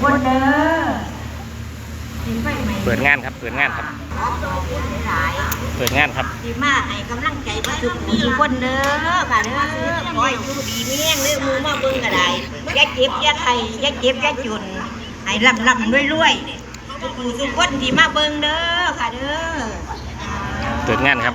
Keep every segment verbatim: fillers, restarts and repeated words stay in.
คนเด้อเปิดงานครับเปิดงานครับเปิดงานครับดีมากให้กำลังใจมาสุขทุกคนเด้อค่ะเด้อขอให้อยู่ดีมีแรงเด้อมือมาเบิ่งก็ได้อย่าเจ็บอย่าไข้อย่าเจ็บอย่าจนให้ร่ำร่ำรวยรวยทุกผู้ทุกคนที่มาเบิ่งเด้อค่ะเด้อเปิดงานครับ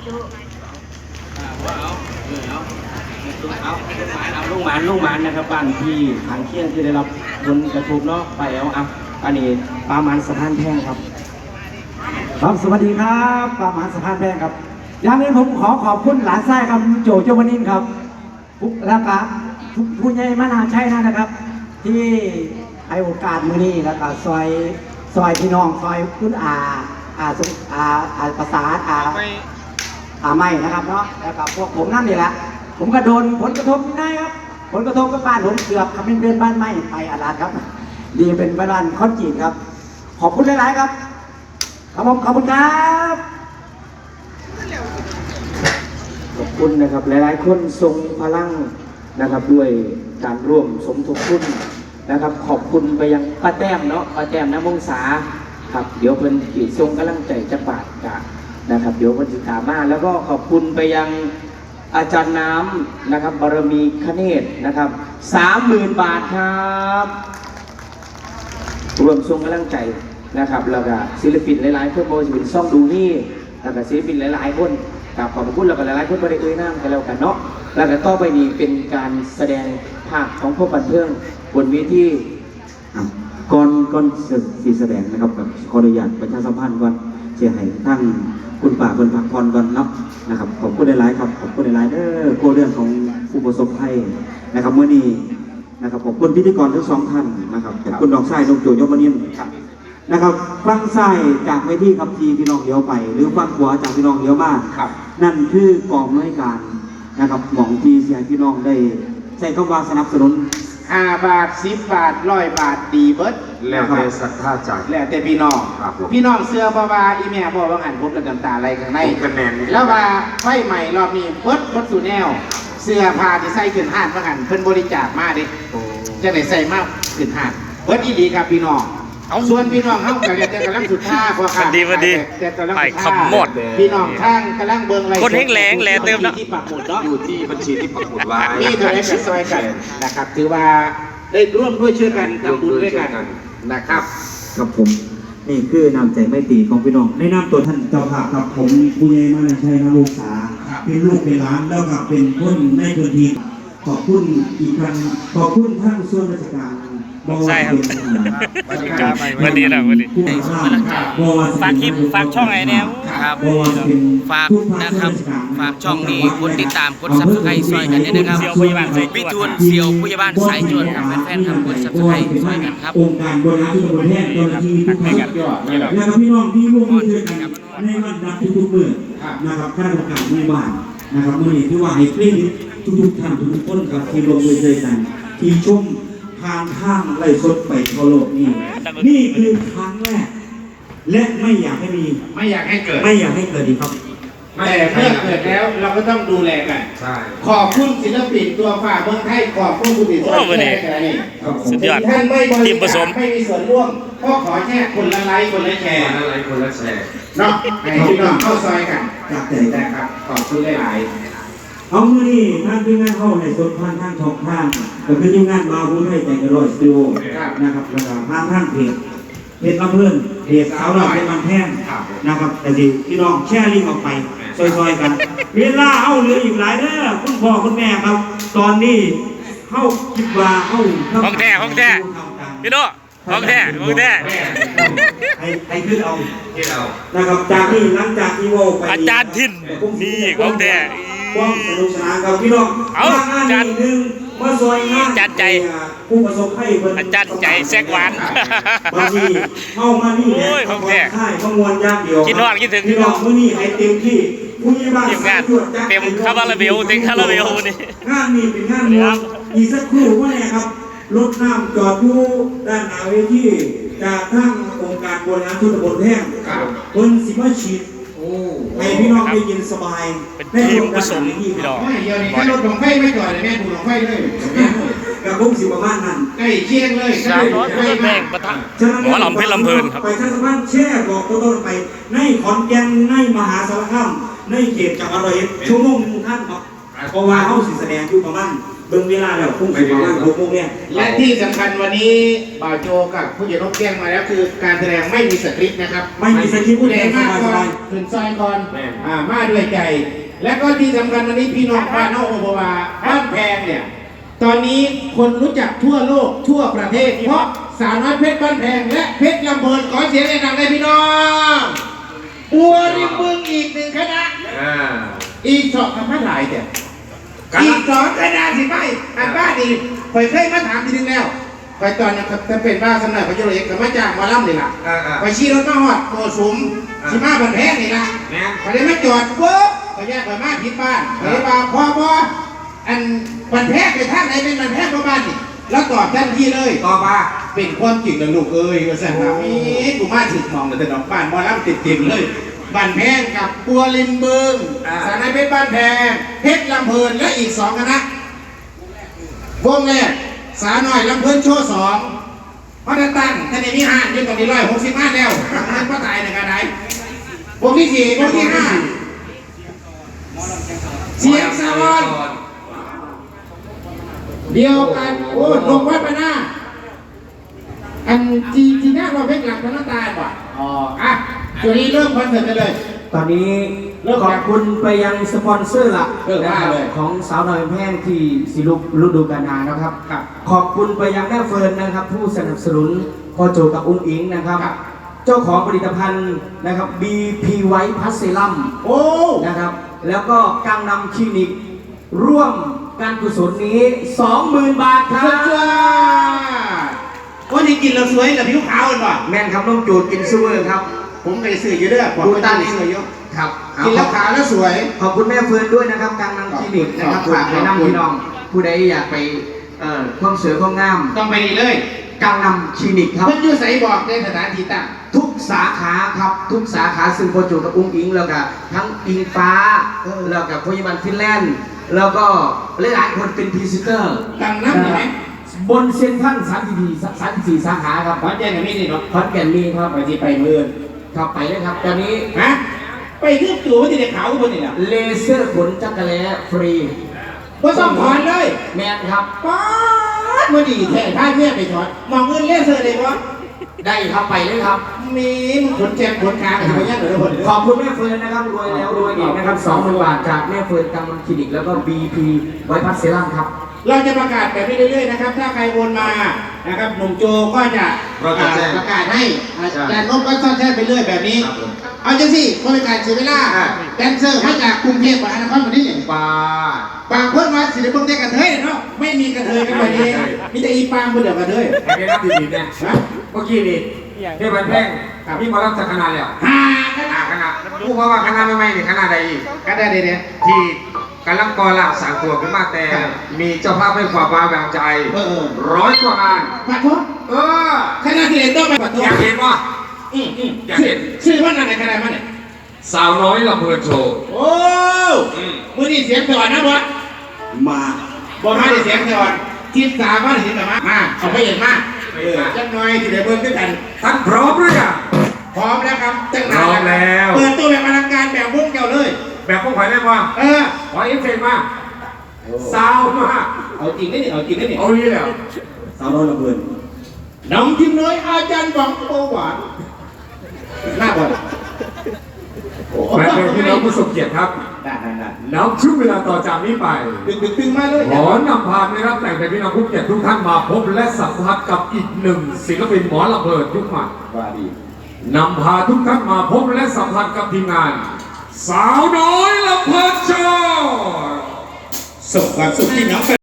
ลูกหมานลูกหมานนะครับบ้านที่ทางเคียงที่ได้รับผลกระทบเนาะไปเอาอ่ะอันนี้ปลาหมันสะพานแพงครับครับสวัสดีครับปลาหมันสะพานแพงครับอย่างนี้ผมขอขอบคุณหลานไส้ครับโจโจวานินครับแล้วก็ผู้ใหญ่มนาชัยนะครับที่ให้โอกาสมือนี้แล้วก็ซอยซอยพี่น้องซอยคุณอาอาสมอาอาประสานอาอาไม่นะครับเนาะแล้วก็พวกผมนั่นนี่แหละผมก็โดนผลกระทบง่ายครับผลกระทบกับบ้านผมเกือบเป็นเดือนบ้านไหม้ไปอาลาดครับดีเป็นบ้านคอนกรีตครับขอบคุณหลายๆครับขอบคุณขอบคุณครับขอบคุณนะครับหลายๆคนทรงพลังนะครับด้วยการร่วมสมทบทุนนะครับขอบคุณไปยังป้าแต้มเนาะป้าแต้มน้ำมงษาครับเดี๋ยวเพิ่นขีดทรงกำลังใจจะปาดกะนะครับเดี๋ยวเพิ่นติดตามมาแล้วก็ขอบคุณไปยังอาจารย์น้ำนะครับบารมีคเนศนะครับสามหมื่นบาทครับรวมทรงกำลังใจนะครับแล้วก็ศิลปินหลายๆคนโมจะเป็นซ่องดูนี่แล้วก็ศิลปินหลายๆคนกับขอบคุณแล้วก็หลายๆคนบริเอ่ยน้ำกันแล้วกันเนาะแล้วก็ต่อไปนี้เป็นการแสดงภาคของพวกบันเทิงบนเวทีก่อนก่อนสีแสดงนะครับกับขออนุญาตประชาสัมพันธ์ก่อนเชียร์ให้ทั้งคุณป่าคนพักผ่อนก่อนเนาะนะครับขอบคุณหลายๆครับขอบคุณหลายๆเด้อโคเรื่องของผู้ประสบภัยนะครับเมื่อนี้นะครับขอบคุณพิธีกรทั้งสองท่านนะครับขอบคุณดอกไส้ดอกโจยมนินนะครับฟังไส้จากเวทีครับทีพี่น้องเลี้ยวไปหรือฟังขวาจากพี่น้องเลี้ยวมานั่นคือกองน้อยการนะครับหม่องทีเสียพี่น้องได้ใช้คำว่าสนับสนุนห้าบาทสิบบาทร้อยบาทดีเบิร์ดแล้วแต่ศรัทธาใจแล้วแต่พี่น้องพี่น้องเสื้อบ่าวาอีแม่บ่ว่าหันผมกับน้ำตาไหลข้างในแล้วว่าไฟใหม่รอบนี้เบิร์ดเบิร์ดสู่แนวเสื้อผ้าที่ใส่ขึ้นห้านว่าหันเพิ่นบริจาคมาดิจะได้ใส่มากขึ้นห้านเบิร์ดอีดีครับพี่น้องส่วนพี่น้องเขากำลังจะกำลังสุดท่าพอค่ะดีดีไปขมดพี่น้องข้างกำลังเบิ่งอะไรคนแห้งแรงแหล่เติมเนาะที่ปักหมุดเนาะอยู่ที่บัญชีที่ปักหมุดไว้มีตัวเลขซอยกันนะครับถือว่าได้ร่วมด้วยช่วยกันทำบุญด้วยกันนะครับครับผมนี่คือน้ำใจไม่ตีของพี่น้องในน้ำตัวท่านเจ้าภาพครับผมผู้ใหญ่มาในชัยนาลูกษาเป็นลูกเป็นหลานแล้วก็เป็นคนในพื้นที่ขอบคุณอีกครั้งขอบคุณท่านส่วนราชการใช่ครับวันนี้นะวันนี้ฝากคลิปฝากช่องไหนเนี่ยครับฝากนะครับฝากช่องนี้กดติดตามกดซับสไครต์ซอยกันด้วยนะครับวิทูลเซียวผู้ใหญ่บ้านสายจวนครับแฟนๆครับกดซับสไครต์ซอยกันครับองค์การบริหารส่วนตำบลแพทย์เจ้าหน้าที่ทุกท่านนะครับพี่น้องที่ร่วมมือด้วยกันในวันนับทุกๆเมื่อนะครับข้าราชการหมู่บ้านนะครับเมื่อนี้ที่ว่าให้คลิปทุกๆท่านทุกๆคนกับที่ร่วมมือด้วยกันที่ชมทางข้างไล่สดไปทั่วโลกนี่นี่คือครั้งแรกและไม่อยากให้มีไม่อยากให้เกิดไม่อยากให้เกิดดีครับแต่เมื่อเกิดแล้วเราก็ต้องดูแลกันขอบคุณศิลปินตัวฝ่าเมืองไทยขอบคุณผู้ติดตามแค่นี้สุดยอดท่านไม่บริจาคไม่มีส่วนร่วมก็ขอแค่คนละไลค์คนละแชร์คนละไลค์คนละแชร์เนาะให้พี่น้องเข้าซอยกันจากใจนะครับขอบคุณหลายเอาเมื่อนี้ท่านที่งานเข้าในสดผ่านทางช่องทางก็คือที่งานมาผู้ให้ใจกระโดดสตูนะครับแล้วก็ผ่านทางเพจเพจลำเพื่อนเพจสาวเราเป็นมันแท่งนะครับแต่สิพี่น้องแชร์ลิงก์ออกไปซอยๆกันเวลาเอาเหลืออีกหลายเด้อคุณพ่อคุณแม่ครับตอนนี้เข้าคิดว่าเข้าห้องแท้ห้องแท้พี่โน่ห้องแท้ห้องแท้ให้ให้ขึ้นเอาขึ้นเอานะครับจากนี้หลังจากที่โว้ไปอาจารย์ทินนี่ห้องแท้ความสนุกสนานกับพี่น้องเอาจานหนึ่งมาซอยงานจัดใจผู้ประสบภัยอาจารย์ใจแซกหวานมาดีเข้ามานี่เนี่ยเขาแท้ใช่ขมวลยากเดียวคิดฮอดคิดถึงพี่น้องมื้อนี้ให้เต็มที่ผู้ใหญ่บ้านงานเต็มคาราเบลเต็มคาราเบลนี่งานนี้เป็นงานมวลอีกสักครู่ว่าไงครับรถน้ำจอดอยู่ด้านหน้าเวทีจากทางองค์การบริหารส่วนตำบลแท่งคนสิมาฉีดให้พี่น้องได้ยินสบายเป็นทีมผสมพี่น้องไม่เดียวนี่แค่รถหลงไฟไม่จอดเลยแม่ผูหลงไฟเลยกับคงสิประมาณนั้นใกล้เคียงเลยสาวน้อยเพชรแพงปะทะหมอลำเพชรลำเพลินครับไปท่านสมานแช่บอกตัวต้นไปในขอนแก่นในมหาสารคามในเขตจังหวัดร้อยเอ็ดชั่วโมงหนึงท่านครับเพราะว่าเขาสิแสดงอยู่ประมาณเบิ่งเวลาแล้วคงสิประมาณหกโมงเนี่ยและที่สำคัญวันนี้บ่าวโจกับผู้ใหญ่นกแจ้งมาแล้วคือการแสดงไม่มีสคริปต์นะครับไม่มีสคริปต์ผู้ใดมากสก่อบาน ยขึ้นซอยก่อนอ่ามาด้วยใจ และก็ที่สำคัญวันนี้พี่น้องบ้านนอกโอโบวาบ้านแพงเนี่ยตอนนี้คนรู้จักทั่วโลกทั่วประเทศเพราะสาวน้อยเพชรบ้านแพงและเพชรลำเพลินขอเสียงแนะนำเลยพี่น้องบัวริมบึงอีกหนึ่งคณะอีกสองคำว่าหลายแต่อีกสองคณะสิไปอันบ้าดีคอยเคยมาถามทีนึงแล้วคอยตอนนี้จะเป็นบ้าสำนักพระจุลเอกกับมาจากมาล่ำนี่ล่ะคอยชี้รถมาหอดโกสุมชิมาบันแพงนี่ล่ะคอยได้มาจอดปุ๊บคอยแยกคอยมาผิดบ้านคอยมาพอพออันบันแพงไปทางไหนเป็นบันแพงประมาณนี่แล้วตอบทันทีเลยตอบมาเป็นความจริงนะลูกเอ้ยก็แสดงว่ามีกูมาถึงมองแต่ดอกบ้านมอล่ำติดติ่มเลยบ้านแพงกับปัวริมบึงสารนายเพชรบ้านแพงเพชรลำเพลินและอีกสองคณะวงแรกสาหน่อยลำเพลินโชว์สองเพราะตั้งท่านนี้มีห้ายืนตรงนี้ร้อยหกสิบห้าแล้วนั่นก็ตายในกระไดวงที่สี่วงที่ห้าเสียงสวรรค์เดียวกันโอ้ลงวัดไปหน้าอันจีจีน่าเราเพชรหลังพนักตายบ่อ๋ออ่ะจุดนี้เริ่มคอนเสิร์ตกันเลยตอนนี้ขอบคุณไปยังสปอนเซอร์หลักเออว่าเลยของสาวน้อยแพงที่สิลุกฤดูกาลนานะครับ ขอบคุณไปยังแม่เฟิร์นนะครับ ผู้สนับสนุนพ่อโจกับอุ้งอิงนะครับ เจ้าของผลิตภัณฑ์นะครับ บี พี White Plus Serum โอ้นะครับ แล้วก็กังนำคลินิกร่วมการกุศลนี้ สองหมื่น บาทครัสุดยบอดวันนี้กินเราสวยแต่ผิวขาวกันป่ะแม่นครับน้องจูดกินซูเวอร์ครับผมเคยซื้ออยู่เด้อผมดูก็ตาตั้งนี่ซื้ออยู่ครับกินแล้วขาวแล้วสวยขอบคุณแม่เฟิร์นด้วยนะครับกังนำคลินิกนะครับขอบคุณฝากให้ขอบคุณน้ำพี่น้อง ผู้ใดอยากไปเอ่อความสวยความงามต้องไปนี่เลยกังนำคลินิกครับเพิ่นอยู่ใส่บอกในสถานที่ตั้งทุกสาขาครับทุกสาขาซึ่งโปรจูกับอุ้งอิงแล้วก็ทั้งอิงฟ้าแล้วกับพยาบาลฟินแลนด์แล้วก็หลายๆคนเป็นพรีเซนเตอร์ตั้งน้ำใช่ไหมบนเซ็นทรัลสามสิบสี่สามสิบสี่สาขาครับขอนแก่นกับมีนี่เนาะขอนแก่นมีครับไปที่ไปเมืองครับไปเลยครับตอนนี้ฮะไปที่ตัวว่าที่เด็กขาวคนนี่แหละเลเซอร์ขนจักรแล้ฟรีว่าต้องถอนเลยแมนครับป๊าดมาดีแท้ท่าเมียไปถอนมองเงินเลเซอร์เลยวะได้ครับไปเลยครับมีมึงขนแจมขนขาอะไรอย่างเงี้ยเหรอคนขอบคุณแม่เฟิร์นนะครับรวยแล้วรวยอีกนะครับสองหมื่นบาทจากแม่เฟิร์นกังนำคลินิกแล้วก็ บี พี ไวท์พัสเซรั่มครับเราจะประกาศแบบนี้เรื่อยๆนะครับ ถ้าใครโอนมานะครับหนุ่มโจก็จะเราจะแจ้งประกาศให้อาจารย์นพก็ซ่อนแท้ไปเรื่อยแบบนี้ เอาจังสิบริการเสียเวลาแดนเซอร์มาจากกรุงเทพมหานครวันนี้ปลาบางคนมาศิลปินได้กระเทยเนาะไม่มีกระเทยกันวันนี้มีแต่อีปางคนเดียวกระเทยไอ้เป็นนักดีๆเนี่ยนะเมื่อกี้นี่ที่บันแพงพี่หมารับจากคณะแล้วฮ่าคณะคณะผู้ว่าคณะไม่ไม่นี่คณะใดอีกคณะเดียวที่กำลังก่อร่างสร้างตัวขึ้นมาแต่มีเจ้าภาพให้ความว้าวางใจเออเออร้อยกว่างานปัดทบเออคณะที่เรียนต้องไปปัดทบอยากเห็นว่าอืมอืมอยากเห็นชื่อว่าอะไรคณะมันเนี่ยสาวน้อยลำเพลินโชว์โอ้มือนี่เสียงสวรรค์นะบอสมาบอกมาได้เสียงสวรรค์ทีสามมาได้เสียงสวรรค์มาเอาไปเห็นมาเออจังหน่อยที่เดี๋ยวเบิ่งด้วยกันท่านพร้อมหรือยังพร้อมแล้วครับจังหพร้อมแล้วเปิดตัวแบบอลังการแบบวงเก่าเลยแบบพวกข่อยได้ป่ะเออขอเอฟเฟกต์มาสาวมากเอาจริงได้เนี่ยเอาจริงได้เนี่ยเอานี่แหละสาวน้อยลำเพลินน้องทิมน้อยอาจารย์บังโปหวานหน้าบอลแฟนๆพี่น้องผู้ทรงเกียรติครับได้ได้ได้แล้วช่วงเวลาต่อจากนี้ไปดึงดึงดึงมาเลยขอนำพานะครับแต่งแต่พี่น้องผู้เกียรติทุกท่านมาพบและสัมผัสกับอีกหนึ่งศิลปินหมอลำเพลินยุคใหม่ว่าดีนำพาทุกท่านมาพบและสัมผัสกับทีมงาน สาวน้อยลำเพลินโชว์ส่งความสุขที่น้อง